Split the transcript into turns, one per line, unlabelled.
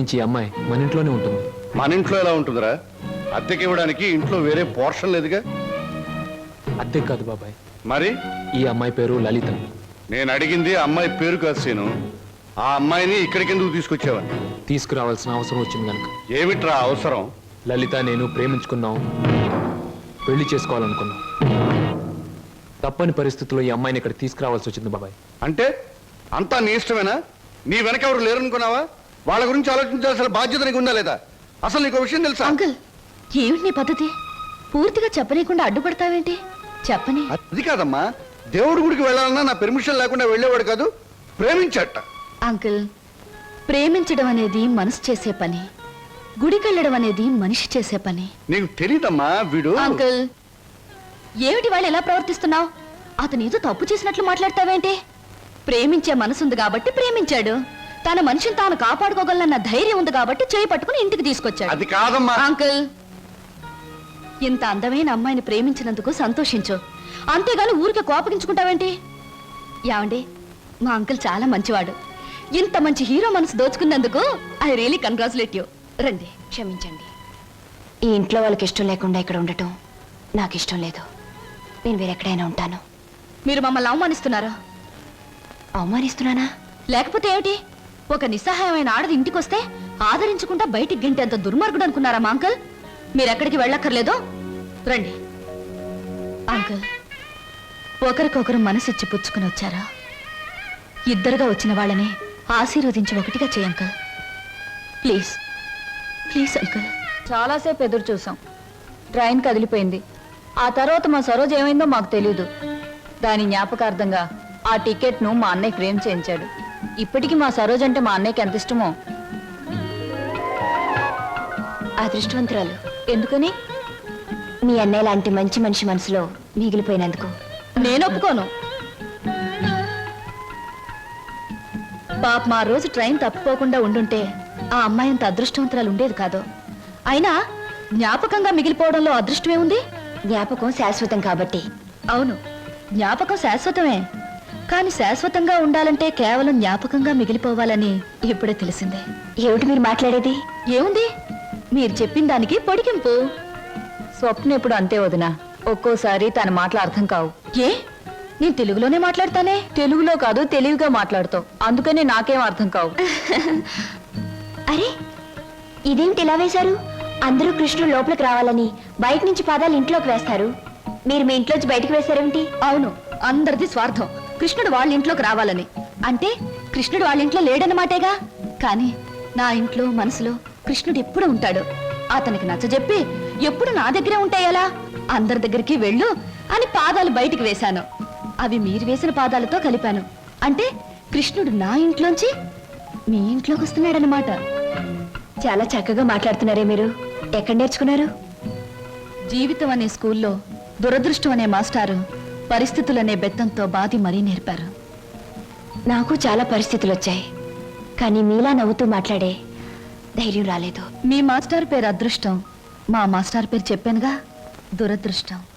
నుంచి ఈ అమ్మాయి మన ఇంట్లోనే ఉంటుంది.
మన ఇంట్లో ఎలా ఉంటుందిరా? అద్దెకి ఇవ్వడానికి ఇంట్లో వేరే పోర్షన్ లేదుగా.
అద్దె కాదు బాబాయ్,
మరి
ఈ అమ్మాయి పేరు లలిత.
నేను అడిగింది అమ్మాయి పేరు కాదు సీను. ఆ అమ్మాయిని ఇక్కడికి ఎందుకు తీసుకొచ్చావని.
తీసుకురావాల్సిన అవసరం వచ్చింది కనుక.
ఏమిట్రా అవసరం?
లలిత నేను ప్రేమించుకున్నాం, పెళ్లి చేసుకోవాలనుకున్నాం. తప్పని పరిస్థితుల్లో ఈ అమ్మాయిని ఇక్కడ తీసుకురావాల్సి వచ్చింది బాబాయ్.
అంటే అంతా నీ ఇష్టమేనా? నీ వెనక ఎవరు లేరనుకున్నావా? వాళ్ళ గురించి ఆలోచించాల్సిన బాధ్యత నీకు ఉందా లేదా? అసలు నీకు విషయం తెలుసా?
అంకుల్, ఏమిటి నీ పద్ధతి? పూర్తిగా చెప్పనీయకుండా అడ్డుపడతావేంటి? చెప్పని.
అది కాదమ్మా, దేవుడి గుడికి వెళ్ళాలన్నా నా పెర్మిషన్ లేకుండా వెళ్ళేవాడు కాదు, ప్రేమించట.
అంకుల్, ప్రేమించడం అనేది మనసు చేసే పని, గుడికెళ్ళడం అనేది మనిషి చేసే పని.
నీకు తెలీదమ్మా వీడు.
అంకుల్, ఏమిటి వాళ్ళు ఎలా ప్రవర్తిస్తున్నావు? అతను ఏదో తప్పు చేసినట్లు మాట్లాడతావేంటి? ప్రేమించే మనసుంది కాబట్టి ప్రేమించాడు. తన మనిషిని తాను కాపాడుకోగలన్న ధైర్యం ఉంది కాబట్టి చేయి పట్టుకుని ఇంటికి తీసుకొచ్చాడు.
అది కాదమ్మా.
అంకుల్, ఇంత అందమైన అమ్మాయిని ప్రేమించినందుకు సంతోషించు, అంతేగాని ఊరికే కోపగించుకుంటావేంటి? యావండి, మా అంకుల్ చాలా మంచివాడు. ఇంత మంచి హీరో మనసు దోచుకున్నందుకు ఐ రియలీ కంగ్రాచులేట్ యూ. రండి.
క్షమించండి, ఈ ఇంట్లో వాళ్ళకి ఇష్టం లేకుండా ఇక్కడ ఉండటం నాకు ఇష్టం లేదు. నేను వేరెక్కడైనా ఉంటాను.
మీరు మమ్మల్ని అవమానిస్తున్నారా?
అవమానిస్తున్నానా?
లేకపోతే ఏమిటి? ఒక నిస్సహాయమైన ఆడది ఇంటికొస్తే ఆదరించకుండా బయటికి గెంటేంత దుర్మార్గుడు అనుకున్నారా మా అంకుల్? మీరెక్కడికి వెళ్ళక్కర్లేదో రండి. అంకుల్, ఒకరికొకరు మనసిచ్చి పుచ్చుకుని వచ్చారా? ఇద్దరుగా వచ్చిన వాళ్ళని ఆశీర్వదించి ఒకటిగా చేయ అంకుల్. Please please uncle.
చాలాసేపు ఎదురు చూసాం. ట్రైన్ కదిలిపోయింది. ఆ తర్వాత మా సరోజ్ ఏమైందో మాకు తెలియదు. దాని జ్ఞాపకార్థంగా ఆ టికెట్ను మా అన్నయ్య ఫ్రేమ్ చేయించాడు. ఇప్పటికీ మా సరోజ్ అంటే మా అన్నయ్యకి ఎంత ఇష్టమో.
అదృష్టవంతురాలు.
ఎందుకని?
మీ అన్నయ్య లాంటి మంచి మనిషి మనసులో మిగిలిపోయినందుకు.
నేను ఒప్పుకోను. పాప మా రోజు ట్రైన్ తప్పిపోకుండా ఉండుంటే ఆ అమ్మాయి అంత అదృష్టవంతురాలు ఉండేది కాదు. అయినా జ్ఞాపకంగా మిగిలిపోవడంలో అదృష్టమే ఉంది.
జ్ఞాపకం శాశ్వతం కాబట్టి.
అవును, జ్ఞాపకం శాశ్వతమే. కానీ శాశ్వతంగా ఉండాలంటే కేవలం జ్ఞాపకంగా మిగిలిపోవాలని ఇప్పుడే తెలిసిందే.
ఏమిటి మీరు మాట్లాడేది?
ఏముంది, మీరు చెప్పిన దానికి పొడిగింపు.
స్వప్న ఎప్పుడు అంతే వదినా. ఒక్కోసారి తన మాటలు అర్థం కావు.
ఏ, నేను తెలుగులోనే మాట్లాడతానే.
తెలుగులో కాదు, తెలివిగా మాట్లాడుతావు. అందుకని నాకేం అర్థం కావు.
అరే, ఇదేమిటి ఇలా వేశారు? అందరూ కృష్ణుడు లోపలికి రావాలని బయట నుంచి పాదాలు ఇంట్లోకి వేస్తారు. మీరు మీ ఇంట్లోంచి బయటకు వేశారేమిటి?
అవును, అందరిది స్వార్థం. కృష్ణుడు వాళ్ళ ఇంట్లోకి రావాలని. అంటే కృష్ణుడు వాళ్ళ ఇంట్లో లేడన్నమాటేగా. కానీ నా ఇంట్లో మనసులో కృష్ణుడు ఎప్పుడు ఉంటాడు. అతనికి నచ్చజెప్పి ఎప్పుడు నా దగ్గరే ఉంటాయలా? అందరి దగ్గరికి వెళ్ళు అని పాదాలు బయటికి వేశాను. అవి మీరు వేసిన పాదాలతో కలిపాను. అంటే కృష్ణుడు నా ఇంట్లోంచి మీ ఇంట్లోకి వస్తున్నాడనమాట.
చాలా చక్కగా మాట్లాడుతున్నారే మీరు. ఎక్కడ నేర్చుకున్నారు?
జీవితం అనే స్కూల్లో దురదృష్టం అనే మాస్టారు పరిస్థితులనే బెత్తంతో బాధి మరీ నేర్పారు.
నాకు చాలా పరిస్థితులు వచ్చాయి, కానీ మీలా నవ్వుతూ మాట్లాడే ధైర్యం రాలేదు.
మీ మాస్టర్ పేరు అదృష్టం, మా మాస్టర్ పేరు చెప్పానుగా, దురదృష్టం.